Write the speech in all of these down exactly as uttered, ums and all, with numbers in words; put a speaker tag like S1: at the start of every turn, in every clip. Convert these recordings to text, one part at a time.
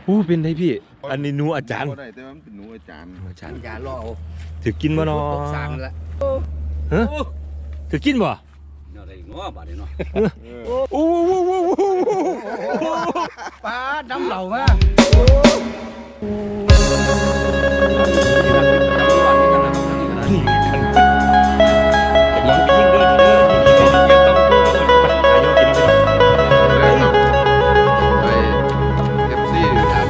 S1: อู้เป็นไงพี่อันนี้หนูอาจารย์
S2: ได้แต่ว่ามันเป็นหนูอาจารย์
S1: อาจารย์
S3: อย่าล่อเอา
S1: ถือกินบ่เนาะ
S3: สั่งละ
S1: ฮะถือกินบ่
S3: เนาะได้เนาะบาดนี้เนาะ
S1: โอ้โห
S3: ปลาดำเหล่ามา
S1: นี่กันแต่ยังไปยิ่งเด้อเด้อนี่นี่ก็ต้องกู้กับอายุกินนี่
S2: ไปเอฟซีครับ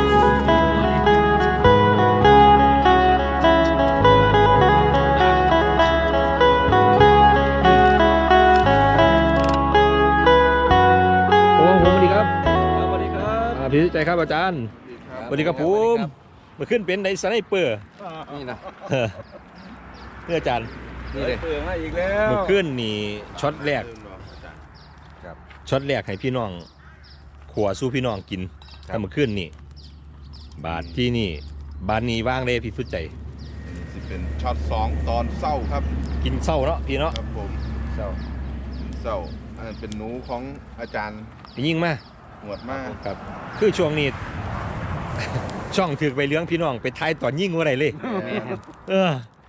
S1: โอ้โหสวัสดีครับ
S3: สวัสดีครับ
S1: พี่ใจครับอาจารย์สวัสดีครับผมมาขึ้นเป็นในสไนเปอร์
S3: นี่นะ
S1: เพื่ออาจารย์
S3: นี่เลยเปิดมาอีกแล้ว
S1: มาขึ้นนี่ช็อตแรกช็อตแรกให้พี่น้องขัวสู้พี่น้องกินถ้ามาขึ้นนี่บาทที่นี่บานนี้ว่างเลยพี่สุดใจ
S2: สิเป็นช็อตสองตอนเศร้าครับ
S1: กินเศร้าเนาะพี่เนาะ
S2: ครับผม
S3: เจ้า
S2: เศร้าอันนั้นเป็นหนูของอาจารย์
S1: ยิ่งมา
S2: หวดมาก
S1: ครับคือช่วงนี้ ช่องถือไปเลี้ยงพี่น้องไปทายตอนยิ่งว่าไรเลยเออ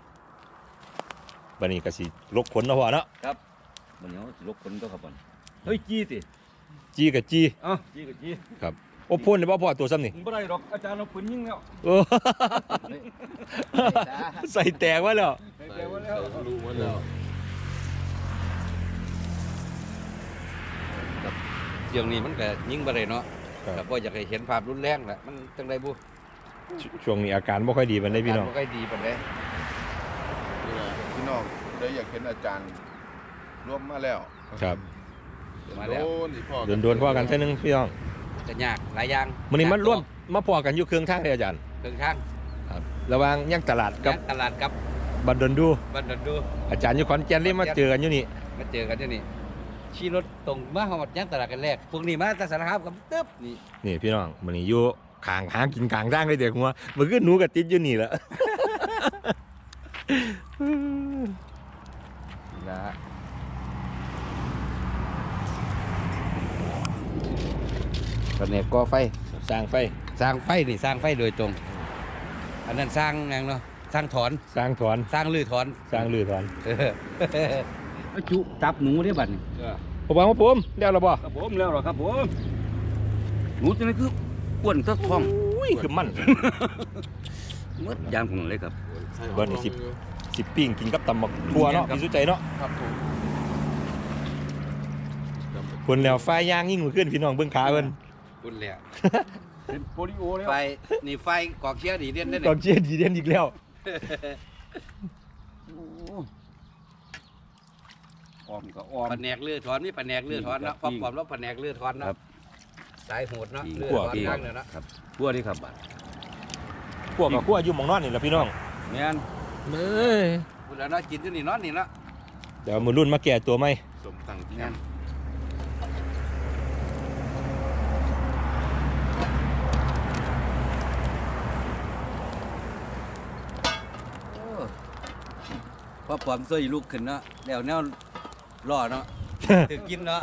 S1: บันนี้ก็สิลกขนเนาะพ่อเนาะ
S3: ครับมันเนาะลกคนก็ครับบ่เฮ้ยจี้ติ
S1: จีกับจี
S3: อ้าวจี้กับจี้
S1: ครับโอ้พ่นเลยบ่พ่อตัวซ้ำนี่
S3: บ่ได้ดอกอาจารย์เอาปืนยิงแล้ว
S1: เออใส่แตกไว้แล้ว
S3: แกว่าแล้ว
S2: รู้ว่าแล้ว
S3: เสียงนี้มันก็ยิงบ่ได้เนาะแต่บ่อยากให้เห็นภาพรุนแรงแหละมันจังได๋บ่
S1: ช่วงนี้อาการไม่ค่อยดีมันได้พี่น้อง
S3: บ่ค่อยดีปานใด
S2: พี่น้องได้อยากเห็นอาจารย์ร่วมมาแล้ว
S1: ครับ
S3: มาแล้ว
S2: โดนอีพ่อ
S1: โดนโดนพ่อกันเท่านึงพี่น้อง
S3: จะยากหลายอย่าง
S1: มันนี้มันร่วมมาพอกันอยู่เครื่องทางเลยอาจารย์
S3: เครื่องทาง
S1: ครับระหว่างย่างตลาดกับ
S3: ตลาดกับ
S1: บันดอนดู
S3: บ้านดอนดู
S1: อาจารย์อยู่ขอนแก่นเลยมาเจอกันอยู่นี่
S3: มาเจอกันที่นี่ขี่รถตรงมาหอดย่างตลาดกันแรกพวกนี้มาจากสารคามกับตึ๊บนี่
S1: นี่พี่น้องมันนี้อยู่ขางหางกินกลางทางเลยเด็กหัวมันก็หนูกับติดอยู่นี่แหละ
S3: นะตอนนี้ก่อไฟ
S1: สร้างไฟ
S3: สร้างไฟนี่สร้างไฟโดยตรง อันนั้นสร้างหยังเนาะสร้างถอน
S1: สร้างถอน
S3: สร้างลือถอน
S1: สร้างลือถอน
S3: เออจุจับหนูได้บัดนี่
S1: ผมบอกว่าผมเดี๋ยวเราบอก
S3: ครับผมแล้วหรอครับผมหนูตัวนี้คืออ้วนทักท้อง
S1: อุ้ยคือมัน
S3: มดยางของเลยครับ
S1: เบอร์นี่สิบสิบปิ้งกินกับตำบักทั่วเนาะพี่สุใจเนาะ
S2: ครับผม
S1: คนแล้วไฟย่างยิ่งมือขึ้นพี่น้องเบื้องขาเพิ่น
S3: คุณแล้ว
S2: เป็นโปลิโอแล้ว
S3: ไฟนี่ไฟกอกเชียร์ดีเด่นได้
S1: ก
S3: เนี่
S1: องเชียร์ดีเด่นอีกแล้ว
S2: ออมก็ออม
S3: แผนกเลือดถอนนี่แผนกเลือดถอนเนาะความความแล้วแผนกเลือดถอนเนาะสายโหดเนาะเลือดถอนนั่งเลยเนาะครับบัวนี่ครับ
S1: พวกกับพวกอยู่หมองนอนนี่แหละพี่น้อง
S3: แม่น
S1: เอ้ย
S3: พูดแล้วเนาะกินอยู่นี่นอนนี่เนาะ
S1: เดี๋ยวมือรุ่นมาแก่ตัวไหม
S2: สมตั้งที่
S3: แม่
S2: นั่
S3: น
S2: น
S3: พอความช่วยลูกขึ้นเนาะแล้วแนวรอเนาะถึงกินเนาะ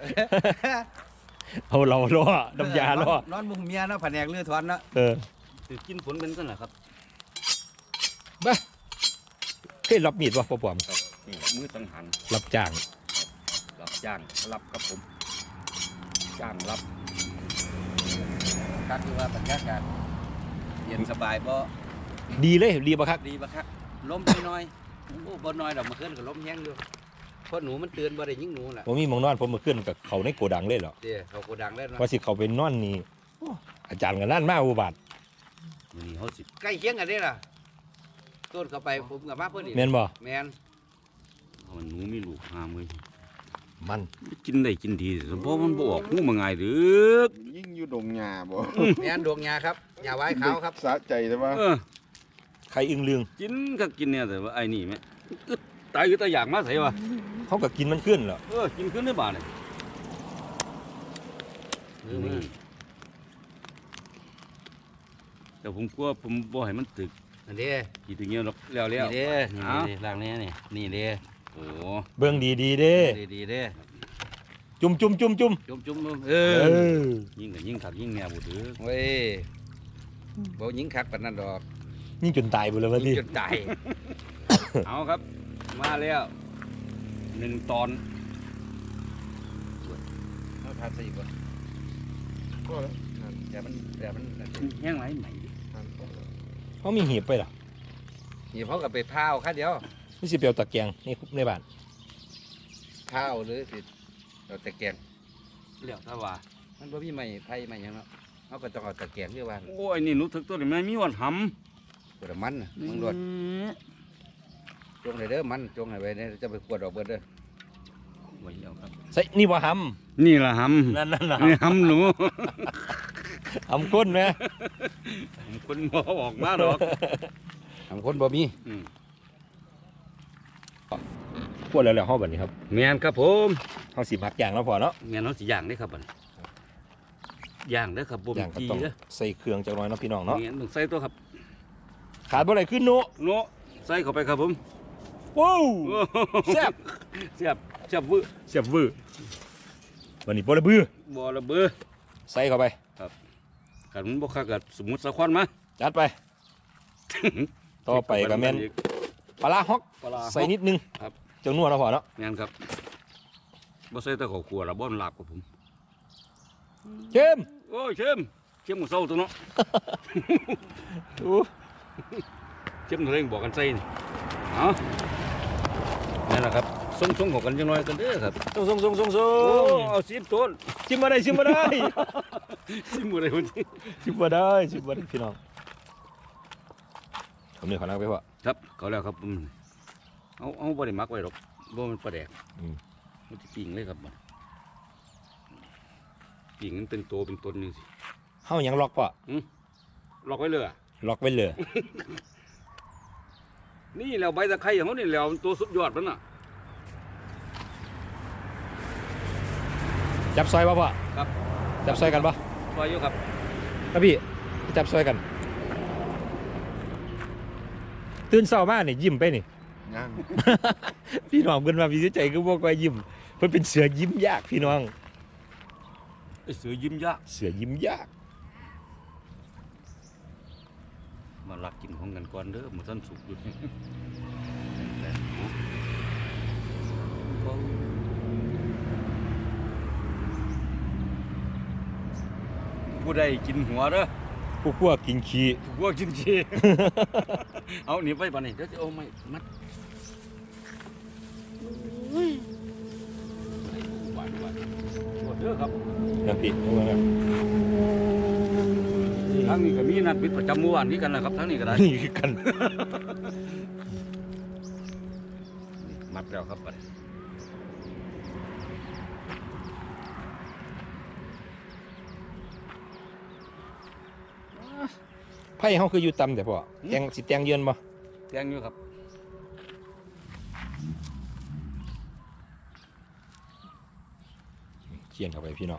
S1: เอาเราล่อน้ำยาล่อน
S3: อนมุมเมียเนาะแผนกเลือดถอนเนาะ
S1: เออ
S3: ถึงกินผลเป็นกันเหรอครับ
S1: บ้าเคยรับมีดวะพ่อปอม
S3: นี่มือสังหาร
S1: รับจ้าง
S3: รับจ้างรับครับผมจ้างรับการที่ว่าบรรยากาศเย็นสบายบ่
S1: ดีเลยดีปะครับ
S3: ดีปะครับลมน้อยๆโอ้บ่น้อยดอกมาขึ้นกับลมแห้งอยู่เพราะหนูมันเตือนบ่ได้ยิงหนูน่ะ
S1: ผมมีหมองนอนผมมาขึ้นกับเขาในโกดังเลยเหรอ
S3: เดี๋ยวเขาโกดังแล้วนะ
S1: ว่าสิเขาเป็นนอนนี่โอ้อาจารย์กันนั่นมากอุบัติ
S3: มื้อนี้เฮาสิใกล้เคียงกันเด้ล่ะต้นเข้าไปผมกับมาเพิ่นนี่
S1: แม่นบ่
S3: แม่นมันหนูมีลูกหามื้อ
S1: มัน
S3: กินได้กินดีเพราะมันบ่ออกหูมาง่ายเด้อ
S2: ยิ่งอยู่ดงหญ้าบ่
S3: แม่นดวงยาครับยาไว้ขาวครับ
S2: สะใจแต่ว่า
S3: เออ
S1: ใครอึ้งลืง
S3: กินก็กินเนี่ยแต่ว่าไอ้นี่แม่อึดตายอยู่ตาอยากมาใส่วะ
S1: เขาก็กินมันขึ้นเหรอ
S3: เออกินขึ้นได้บ่าเนี่ยแต่ผมกลัวผมบ่ให้มันตึกอันนี้กี่ตึกเงี้ยหรอกแล้วแล้วนี่เด้นี่ล่างนี้นี่นี่เด้โอ้
S1: เบื้องดีดีๆเด้
S3: ดีดีเด้
S1: จุ่มจุ่มจุ่มจุ่ม
S3: จุ่มจุ่มเอ
S1: เอ
S3: อ
S1: อ
S3: ยิงกับยิงขักยิงแนวบุตรเว้ยบ่ยิงขักปานนั้นดอก
S1: ยิ่งจนตายไปเลยวัน
S3: ยิ
S1: นี้
S3: งจนตาย เอาครับ มาแล้วหนึ่งตอนเอาทานใส่ก่อน
S2: ก็แล้วนั่น
S3: เดี๋ยวมันเดี๋ยวมันแห้งไหมใหม่
S2: นั่นก็แล้ว
S1: เขามีหีบไปเหรอ
S3: นี่เขากับไปพาวค่าเดียว
S1: นี่สิเปียวตะแกรงนี่ในบ้าน
S3: พาวหรือสิเราตะแกรงเรียกถ้าว่ามันบ่มีไม้ไผ่ไม้หยังเนาะเขาก็ต้องเอาตะแกรงเรียกว่า
S4: โอ้ยนี่หนูถึกตัวนี่แม่มีวันห
S3: ตัวละมันน่ะ
S4: ำ
S3: มึงรวดจงเลยเด้อมันจงให้ไว้เนี่ยจะไปขวดออกเบิดเด้อไว้แล้วครับ
S1: ใส่นี่ว่าห
S4: นี่ล่ะห
S1: ำนั่นนั่นน่ะ
S4: ำนี่หำหนู
S1: หำก้นไหม
S4: ผมคนบ่ออกมาดอก
S3: ทำคนบ่มี
S4: อืม
S1: พวกแล้วแล้วห้อแบบนี้ครับ
S4: แม่นครับผม
S1: เขาสิมักอย่างแล้วพอเนาะ
S4: แม่นเฮาสิย่างเด้อครับบัดนี้ย่างเด้อครับบ่
S1: อ
S4: มี
S1: ย่างก็
S4: จี
S1: ต้อง
S4: เด้อ
S1: ใส่เครื่องจักหน่อยเนาะพี่น้องเนาะ
S4: แม่นต้องใส่ตัวครับ
S1: ขาดบ่ได้ขึ้นโน
S4: โนใส่เข้าไปครับผม
S1: ว้าว
S4: โอ้
S1: แซ่บ
S4: แซ่บแซ่บวื้อ
S1: เสียบวื้อวันนี้บ่ระบือ
S4: บ่ระเบ้อ
S1: ใส่เข้าไป
S4: กันมันบ่คักก็สมมุติสักควันมา
S1: จัดไป ต่อไปก็แม่นปลาร้าฮอก
S4: ปลาร้า
S1: ใส่นิดนึง
S4: ครับ
S1: จังนัวแล้วพอเนาะ
S4: แม่นครับบ่ใส่แต่ข้าวคั่วละบ่มันลาบกับผม
S1: เจิม
S4: โอ้ยเชิมเชิมหมูเศร้าตัวเนาะ
S1: อู้
S4: เชิมเร่งบอกกันใส่นี่เอานี่นแหละครับส่งๆของกันจังน้อยกันเด้อครับ
S1: ส่งส่งส่งส่งส่
S4: โอ้
S1: ง
S4: เอาสิบต้น
S1: ชิมมาได้ชิมมาได้
S4: สิบมืออะไรคนที่
S1: ชิมมาได้ชิมมาได้พี่น้องผมเนี่ยขอนั่งไปพ่อ
S4: ครับเขาแล้วครับอืมเอาเอาบ่ได้มักไว้หรอกบ่มันปลาแดก
S1: อืม
S4: มันจะปิ่งเลยครับมันปิ่งมันเป็นตัวเป็นตนนี่สิ
S1: เฮายังล็อกพ่อ
S4: ล็อกไว้เลยอะ
S1: ล็อกไว้เลย
S4: นี่แล้วใบตะไคร้ของเขานี่แล้วมันตัวสุดยอดมันน่ะ
S1: จับซอยป่ะพ่อ
S4: ครับ
S1: จับซอยกันป่ะ
S4: ซอยอยู่ครับ
S1: ครับพี่จับซอยกัน ตื่นเช้ามานี่ยิ้มไปนี่
S2: ย่าง
S1: พี่น้องเพิ่นว่าพี่ใจก็บ่ค่อยยิ้มเพิ่นเป็นเสือยิ้มยากพี่น้อง
S4: ไอ้เสือยิ้มยาก
S1: เสือยิ้มยาก
S4: มาลักกินของกันก่อนเด้อมันท่านสุกอยู่ผู้ใดกินหัวเด้อ
S1: พวกพวกกินขี้
S4: พวกกินขี้ เอาหนีไปป่ะนี่เดี๋ยวจะเอาไม่มัดหวานหวานหมดเด้อครับ
S1: นะพี่เอามานะ
S4: ทั้งนี้ก็มีนัดปิดประจำเมื่อวานนี้กันนะครับทั้งนี้ก็ได้
S1: นี่คือกัน
S4: มัดแล้วครับไป
S1: ไผ่เฮาคืออยู่ต่ำแต่พ่อแตงสิแตงเยือนบ่
S4: แตงอยู่ครับ
S1: เขียนเข้าไปพี่น้อง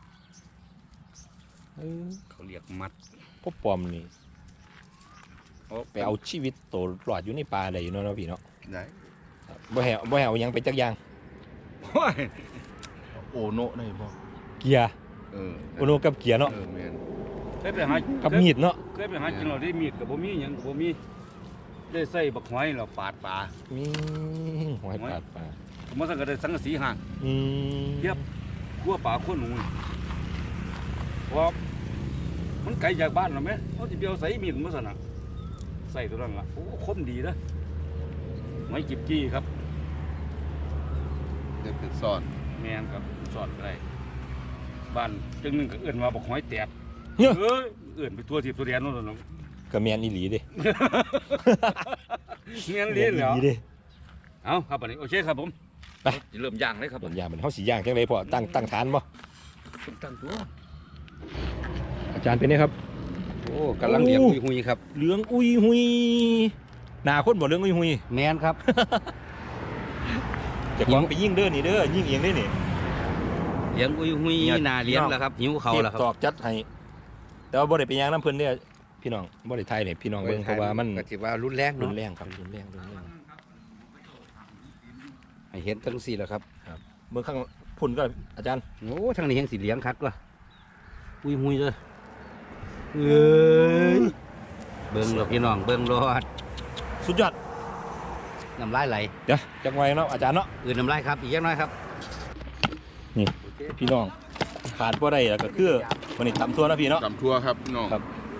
S1: เออ
S4: เขาเรียกมัด
S1: พ่อปอมนี่ไปเอาชีวิตโตรอดอยู่ในป่าได้อยู่เนาะพี่เนาะ
S2: ไหน
S1: บ่แหวบ่แหวหยังไปจักอย่าง
S4: โอ้ย
S2: โอโนะได้บ่
S1: เกียร์
S2: เออ
S1: โอโนกับเกียร์เนาะ
S2: เออแม่น
S4: เคยไปหา
S1: กับมีดเนาะ
S4: เคยไปหากินเราได้มีดกับบ่มีหยังกับบ่มีได้ใส่บักหอยเราปาดปลา
S1: มีหอยปาดปลา
S4: ผมว่าสังกัดสังกะสีห่าง
S1: อืม
S4: เทียบขั้วปลาขั้วหนูเพราะมันไกลจากบ้านเราไหมเขาจะไปเอาใส่มีดมาสนะใส่ตัวนั้นละโอ้คมดีนะไม้จิบจี้ครับ
S2: เด็กเป็นซ่อน
S4: แมนครับสอดอะไรบ้านจังหนึงก็เอื่นว่าบักหอยแตก
S1: เฮ้ย
S4: เอ้ยเอื่นไปทั่วทิพย์ทั่วแดนโนู่นน่ะ
S1: ก็แม่นอีหลีเด้
S4: เมียนเลี้ยนแล้ว
S1: แม่นอีหลีเด้
S4: เอาครับอันนี้โอเคครับผม
S1: ไป
S4: จะเริ่มย่างเลยครับ
S1: ต้นยางมันเฮาสิย่างจังไดพ่อตั้งตั้งฐานบ่
S4: ตั้งตัว
S1: อาจารย์เป็นไงครับ
S3: โอ้กำลังเลี้ยงหุยๆครับ
S1: เหลืองอุยหุยหน้าคนบ่เหลืองอุยหุย
S3: แมนครับ
S1: เจะของไปยิงเด้อนี่เด้อยิงเองเด้อนี่
S3: เลี้ยงหุย
S1: เนี่ย
S3: ๆนาเลี้ยงแล้วครับหิวเขา
S1: เก็บ
S3: แล้วครับ
S1: ตอกจัดให้แต่ว่าบ่ได้ไปย่างน้ำเพิ่นเด้อพี่น้องบ่ได้ไทยนี่พี่น้องเบิ่งเพราะว่ามัน
S3: ก็ถือว่ารุนแรง
S1: รุ
S3: เนาะ
S1: นแรงครับรุนแรงรุนแรง
S3: ให้เห็นทั้งสี่แล้วครับ
S1: เบิ่งข้างผุนก็อาจารย์
S3: โอ้ทางนี้ยังสีเหลืองคักว่ะอุ้ยหุยเลยเอ้ยเบิ่งหรอกพี่น้องเบิ่งรอด
S1: สุดยอด
S3: น้ำลายไหล
S1: เดี๋ยวจังไว้เนาะอาจารย์เนาะ
S3: อื่นน้ำลายครับอีกอย่างน้อยครับ
S1: นี่พี่น้องขาดบ่ได้แล้วก็คือวันนี้ตำทั่วนะพี่เนาะ
S2: ตำทั่วครับพี่น้อง
S1: ครับ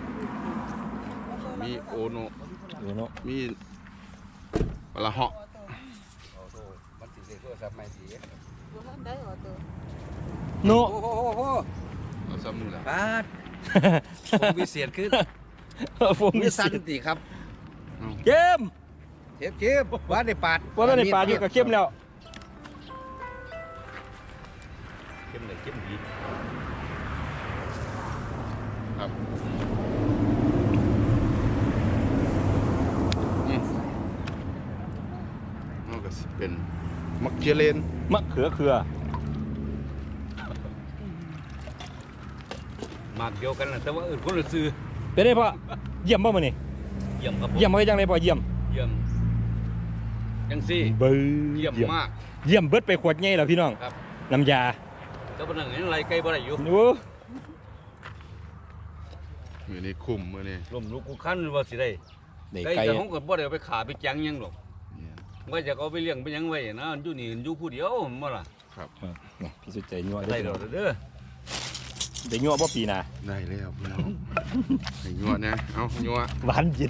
S2: มีโอโน
S1: ดูเนาะ
S2: มีปลาเหาะ
S3: มันสีโทรศัพท์ใหม่สี
S1: โน
S3: โอ้โหโอ้โห
S2: เราซ้ำมือละ
S3: ปาดผมวิเศษขึ้น
S1: ฟง
S3: มี
S1: มี
S3: สั
S1: สั
S3: น
S1: น
S3: ติครับ
S1: เกม
S3: เจ็บเจ็บว่าได้ปาด
S1: ว่าในป่าอยู่กับเข้มแล้ว
S4: เข้มเลยเข้มดี
S2: ครับอืมนั่นก็สิเป็นมักเจเลน
S1: มะเขือเขือ
S4: มากเดียวกันนะแต่ว่าอื่นคนละซื้อ
S1: เป็นได้พ่อเยี่ยมบ่มื้อนี้
S4: เยี่ยมครับผม
S1: เยี่ยมบ่จังได๋พ่อเยี่ยม
S4: เยี่ยมจังซี่
S1: เบ้อ
S4: เยี่ยมมาก
S1: เยี่ยมเบิดไปขวดใหญ่แล้วพี่น้อง
S4: ครับ
S1: น้ำยา
S4: แต่ปนังนี้ไรไกลบ่ได้อยู่
S1: โอ้
S2: มือนี้คุ้มมือนี้
S4: ลมลุกกูคันว่าสิได้
S1: ได้
S4: ไก่
S1: ไก่
S4: แต่ผมก็บ่ได้เอาไปขาไปจังหยังหรอก
S2: เนี่ย
S4: ว่าจะเอาไปเลี้ยงไปหยังไว้นะอยู่นี่อยู่ผู้เดียวบ่ล่ะ
S2: ครับ
S1: นี่พี่สุดใจยั่ว
S4: ได้
S1: เด้
S4: ด
S1: อ
S4: อกเด้อ
S1: ได้ยั่วบ่ปีหน้า
S2: ได้แล้วพี่น้องให้ยัวนะเอายัว
S1: หวานเย็น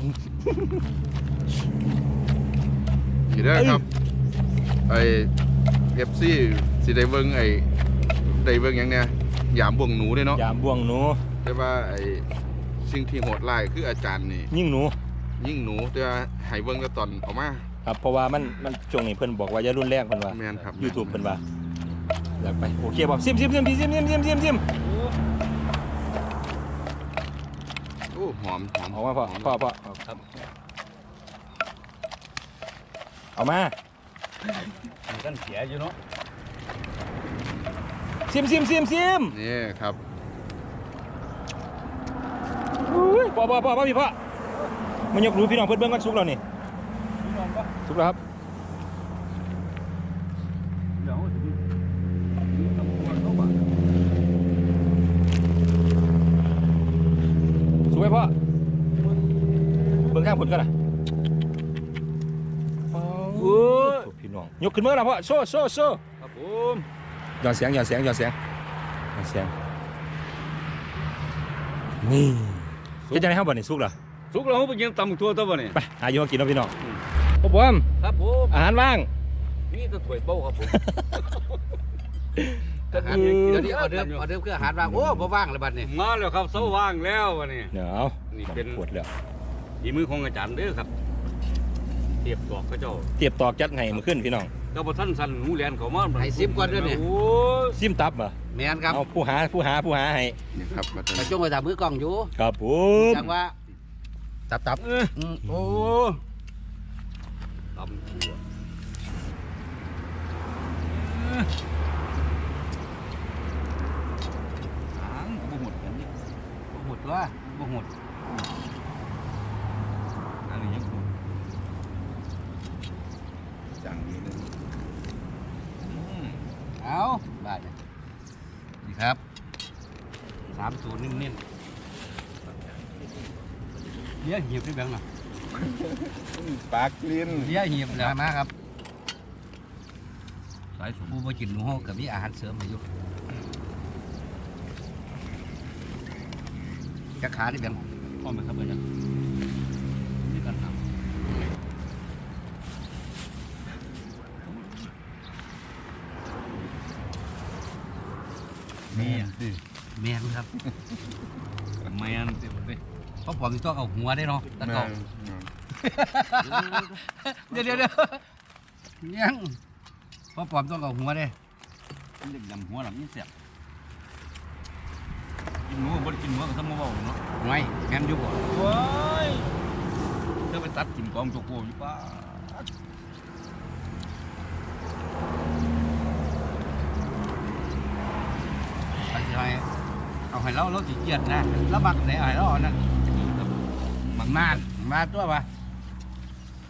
S2: สิได้ครับไอเอฟซีสิได้เบิ่งไอได้เบิ่งหยังเนี่ยยามบ่วงหนูเด้เนาะ
S1: ยามบ่วงหนู
S2: แต่ว่าไอ้สิ่งที่โหดร้ายคืออาจารย์นี่
S1: ยิ่งหนู
S2: ยิ่งหนูแต่ว่าให้เบิ่งแต่ตอนออกมา
S1: ครับเพราะว่ามันมันช่วงนี้เพิ่นบอกว่าอย่ารุนแรงเพิ่นว่า
S2: แม่นครับ
S1: YouTube เพิ่นว่าอยากไปโอเคบ่ซิมซิมซิมพี่ซิมซิมซิมซิมซิม
S2: โอ้หอมหอม
S1: เอามาพ่อ
S2: หม
S1: พ่อพ่อ
S4: ครับ
S1: เอามา
S4: มีกันเสียอยู่เนาะ
S1: ซิมซิมซิมซิม
S2: นี่ครับ
S1: อุ้ยพ่อพ่อพ่อพ่อพี่พ่อมันยกรู้พี่น้องเพิ่นเบิ่งกันสุกแล้วนี่
S4: พี่น้องก็
S1: สุกแล้วครับ
S4: เดี๋ยวถึงตำรวจเขาบอก
S1: สุกไหมพ่อเบิ่งข้างผลกันนะ
S4: โอ้ย
S1: พี่น้องยกขึ้นมือแล้วพ่อโซ่โซ่โซ่
S4: ครับผม
S1: หย่อนเสียงหย่อนเสียงหย่อนเสียงหย่อนเสียงนี่เป็นจังได๋เฮาบ่นี่สุกแล้ว
S4: สุกแล้วเขาไปยังตำทั่วตัวบ่นี่
S1: ไปหาอยู่มากินเนาะพี่น้องพ่อปอม
S4: ครับผม
S1: อาหารว่าง
S4: นี่ก็ถ้วยเบ้าครับผม
S3: อาหารเดี๋ยวนี้ออเดิมออเดิมคืออาหารว่างโอ้บ่ว่างเลยบัดนี้
S4: มาแล้วครับเสาว่างแล้ววะนี่
S1: เดี๋ยวเอา
S4: นี่เป็น
S1: ปวดแล้ว
S4: ฝีมือของอาจารย์เด้อครับเทียบดอกเขาเจ้า
S1: เตียบตอกจัดให้มื้อขึ้นพี่น้อง
S4: ก็บ่ทันสั่นหนูแลนเขามา
S3: ให้ซิมก่อนเด้อนี่
S4: โอ้ย
S1: ซิมตับเหรอ
S3: แม่นครับ
S1: เอาผู้หาผู้หาผู้หาให้
S2: นี่ครับมา
S3: แต่จงไปทำมือกล้องอยู่
S1: ครับผม
S3: จังว่าตับตับ
S4: เอ้ย
S3: อืมโอ้
S4: ตำทั่ว
S3: หางบ่หมดกันนี่บ่หมดตัวบ่หมด
S4: อันนี้ยังบ่
S2: จังนี้นึง
S3: เอาบาดนี่นี่ครับสามสูตรนิ่มๆเลี้ยหีบได้แบงค์น่ะ
S2: ปากลิ้น
S3: เลี้ยหีบนะมาครับ
S4: สายสม
S3: ผู้บ่กินหนูเฮาก็มีอาหารเสริมให้อยู่จักขาได้แบงค์
S4: พร้อมไหมครับอาจารย์นี่กันทำนี่อ่ะ
S3: แม่นครับ
S4: แมนเต็มเลย
S3: เพราะผมมีต้องเอาหัวได้เนาะตะเกา เดี๋ยวเดี๋ยวเดี๋ยวยังเพราะผมต้องเอาหัวได้
S4: มันเด็กดำหัวหลังนี่เสียบกินหมูบ่ได้กินหมูก็ทำมาเบาเนาะ
S3: ไว้แม่นอยู่บ่
S4: ว้ายเธอไปตัดกินกองโจโกอยู่ป้า
S3: ไปสิให้เอาให้เราเราสิเกียดนะแล้วบักไหนเอาให้เราเอานั่นบักนานมาตัวปะ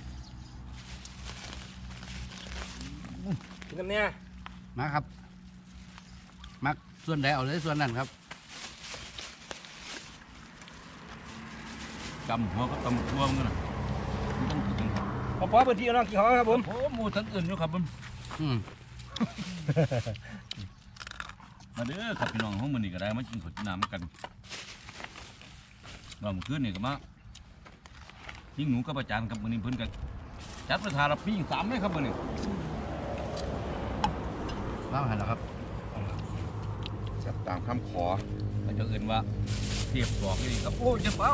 S1: กินน้ำเนี่ย
S3: มาครับมักส่วนใดเอาเลยส่วนนั้นครับ
S4: จำหัวก็ตำทั่วมันนะมันต้องถึงครับ
S1: พอพอพื้นที่น้องกี่ห้องครับผม
S4: โอ้หมูทั้งอื่นอยู่ครับผม
S3: อืม
S4: มาเด้อครับพี่น้องห้องมันนี่ก็ได้มากินข้าวกินน้ำกันรอบคืนนี่ก็มายิ่งหนูกับอาจารย์กับมือนี้เพิ่นกันจัดประธานรับพี่สามเลยครับมือนี้
S3: ว่างหันแล้วครับ
S2: จับตามคำขอ
S4: เราจะเอื่นว่าเทียบสอกนี่ครับโอ้ยเจ็บเป้า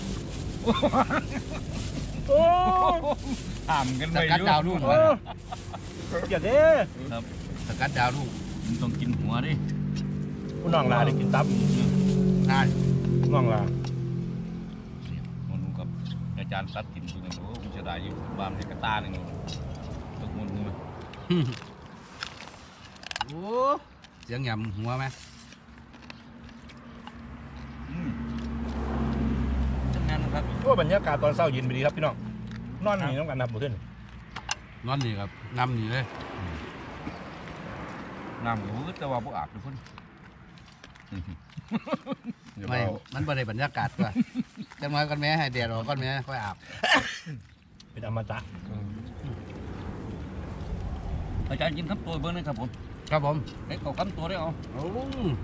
S1: โอ้
S4: ถามกัน
S3: ส
S4: ไป
S3: กัด
S4: อยู่
S3: ดาวรุ่ง
S1: โอ้อย่าเด้
S4: ครับ
S3: สกัดดาวรุ่ง
S4: มันต้องกินหัวดิ
S1: คุณน้องลาได้กินตับ
S3: นาน
S1: น้องลา
S4: มันนูกับอาจารย์ซัดกินตัวนึงโอ้คุณจะได้อยู่บ้านที่กระตาหนึ่งตกมันนู
S3: โอ้เสียงหยำหัวไหม
S4: อืมจังงั้นครับ
S1: โอ้บรรยากาศตอนเช้าเย็นไปดีครับพี่น้องนอนนี่น้องกันนับหมดขึ้น
S3: นอนนี่ครับนำนี่เลย
S4: น้ำก็แต่ว่าพวกอาบทุกคน
S2: อย่า
S3: ไม่
S2: เบา
S3: มันบ่ได้บรรยากาศตัวจังหวะก้อนแม่ให้แดดออกก้อนแม่ค่อยอาบ
S1: เป็นอมตะ
S4: อาจารย์กินคำตัวเบิ้งนะครับผม
S3: ครับผม
S4: ให้เขาคำตัวได้เอา
S3: โอ้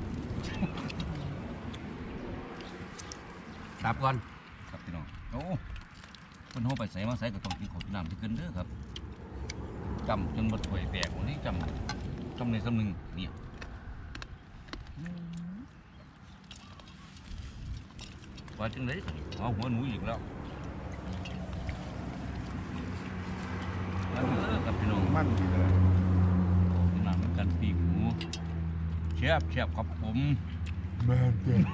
S3: ตับก่อน
S4: ครับพี่น้องโอ้คนหัวไปใส่มาใส่ก็ต้องกินข้าวกินน้ำที่เกินเด้อครับจำจนบดถวยแตกวันนี้จำจำในสำนึงเนี่ยว่าจังไรสิเอาหัวหนูอีกแล้วแล้วเด้อครับพี่น้อง
S2: มั่นดีเลย
S4: กินน้ำน้ำกันปีกหมูแซ่บแซ่บครับผม
S2: แม่นเด้อ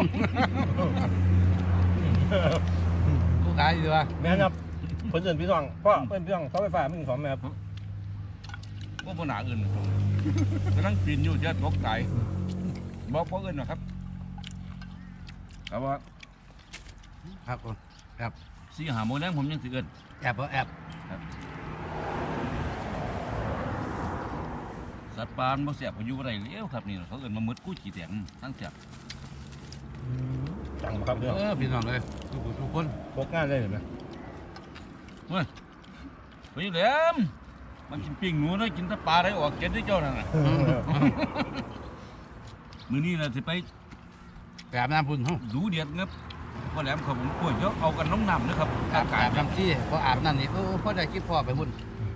S3: กูขายอยู่วะ
S1: แม่ครับเพื่อนพี่น้องพ่อเพื่อนพี่น้องเสาไฟฟ้าไม่มีของแม่ครับ
S4: ว่าปัญหาอื่นนะครับกำลังปีนอยู่จะตกใจบอกพ่ออื่นนะครับแต่ว่า
S3: ครับผม
S4: สี่หาโมงแรงผมยังสิเอิน
S3: แอบบ่แอบ
S4: สัตว์ป่าบ่เสียบก็อยู่บ่ได้แล้วครับนี่เขาเอินมามืดกู้จีแตงทั้งเสียบ
S1: จังบ่ครับพี่น้อง
S3: เออพี่น้องเลยทุกคนทุกคน
S1: พกงานได้เห็นไหม
S4: เฮ้ยไปอยู่แหลมมันกินปิ้งหนูนะกินแตะปลาได้ออกเจ็ดได้เจ้านั่นน่ะมื้อนี้น่ะสิไป
S3: แอบน้ำพุ่นห้อง
S4: ดูเดือดครับพ่อแหลมครับผมกล้วยเยอะเอากันน้องน้ำนะครับอากาศ
S3: อาบน้ำซี่พออาบน้ำนี่โอ้พ่อได้คิดพ่อไปพุ่น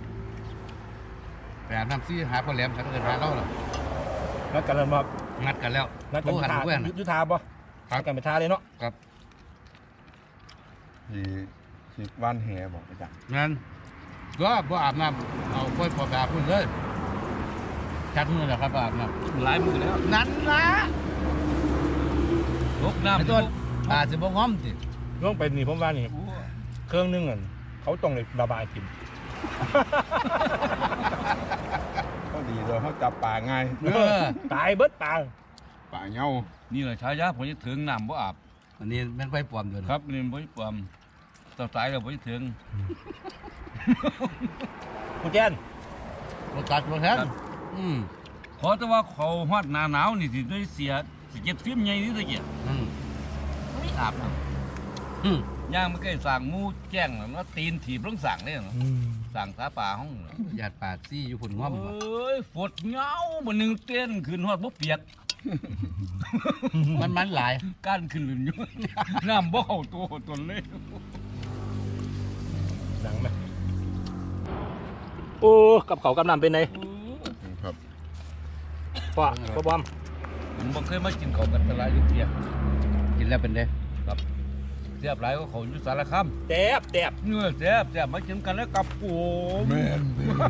S3: ไปอาบน้ำซี่หาพ่อแหลมกันเอินหาเราหรอ
S1: นัดกันแล้วมา
S3: งัดกันแล้ว
S1: นัดกัน
S3: โทร
S1: ไป
S3: หัน
S1: ทา
S3: เพื่อน
S1: ยุทธทาบ่นัดกันไปทาเลยเนาะ
S2: ที่ที่ว่านแหบอกอาจารย์
S3: งั้นก็บ่อาบน้ำเอาค่อยพอไปอาบพุ่นเลยชัดมือแล้วครับอาบน้
S4: หลายมือแล้ว
S3: ำนั่นนะ
S4: ลกน้ำ
S3: ไอ้ต้นอาจจะบ่ง้อมสิ
S1: ล่วงไปนี่ผมว่านี่
S4: โอ้
S1: เครื่องนึงอ่ะเขาต้องเลยระบายกิน
S2: ก็ดีเลยเขาจับปลาง่าย
S3: เออ
S1: ตายเบิดปลา
S2: ปลาเงา
S4: นี่แหละฉายาผมจะถึงน้ำบ่อาบ
S3: อันนี้แมันไปปลอมอยู่
S4: ครับนี่บ่ความต่อตายแล้วบ่ถึง
S1: คุณแจน
S3: รถตัดรถแทนอืม
S4: ขอแต่ว่าเขาฮอดหน้าหนาวนี่สิได้เสียสิเก็บฟิล์มใหญ่นี่ตะเกียบ
S3: อืม
S4: ไม่อาบน้
S3: อืม
S4: ำย่างมันก็สั่งหมูแจ้งแล้วเนาะตีนถีบลงสั่งเลยเนาะสั่งสาป่าห้องเนาะ
S3: หยาดปาดซี่อยู่พุ่นง้อม
S4: เอ
S3: บ่
S4: ้ยฝดเหงาบ่หนึงเต้นขึ้นฮอดบ่เปียก
S3: มันมันหลาย
S4: ก้านขึ้นลื่นอยู่ น้ำบ่เข้าตัวตนเลย
S1: ดังไหมโอ้กับเขาวกับน้ำเป็นไง
S2: ครับ
S1: พ่อพ่อปอม
S4: ผมบ่เคยมากินข้าวกันตลาดอยู่เที่ย
S3: กินแล้วเป็นเด้
S4: เสียบหลายก็เขาอยู่สารคาม
S1: แตบแตบ
S4: เนื้อแซ่บแซ่บมากินกันแล้วกับผม
S2: แม่นเด้อ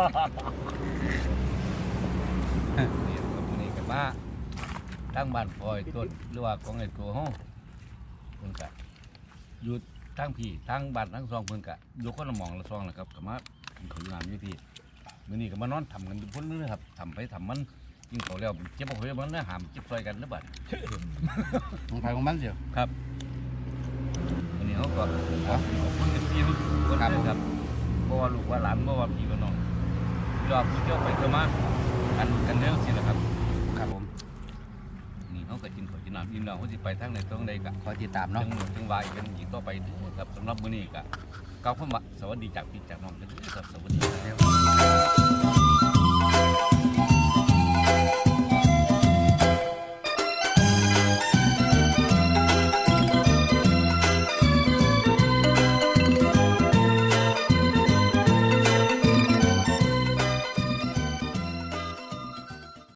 S4: นี่ครับมื้อนี้กันมาทั้งบ้านพลอยต้นหรือว่าของไอ้ตัวห้องเพิ่นก็อยู่ทั้งพี่ทั้งบ้านทั้งซองเพิ่นก็อยู่คนละหม่องละซองแหละครับก็มากินข้าวอยู่น้ำอยู่พี่มื้อนี้ก็มานอนทำกันอยู่พุ่นเลยครับทำไปทำมันกินข้าวแล้วเจ็บบ่ค่อยมันนะหามเจ็บซอยกันเด้อบัด
S3: ของใครของมันเดียว
S4: ครับวันนี้เขาก็ขอบคุณเอฟซีทุกคนเลยครับเพราะว่าลูกว่าหลานเพราะว่าพี่ว่าน้องยอดผู้เที่ยวไปเที่ยวมากันกันเรื่องสินะครับ
S3: ครับผม
S4: คก็กินข้าวกินน้ำอิ่มแล้วเขาสิไปทางไหนตรงใดก็
S3: คอยติดตาม
S4: จั
S3: เนาะ
S4: งหนึ่งจังวายกันอีกต่อไปเด้อครับสำหรับมื้อนี้ก็กล่าวคำว่าสวัสดีจากพี่จากน้องกันเด้อครับ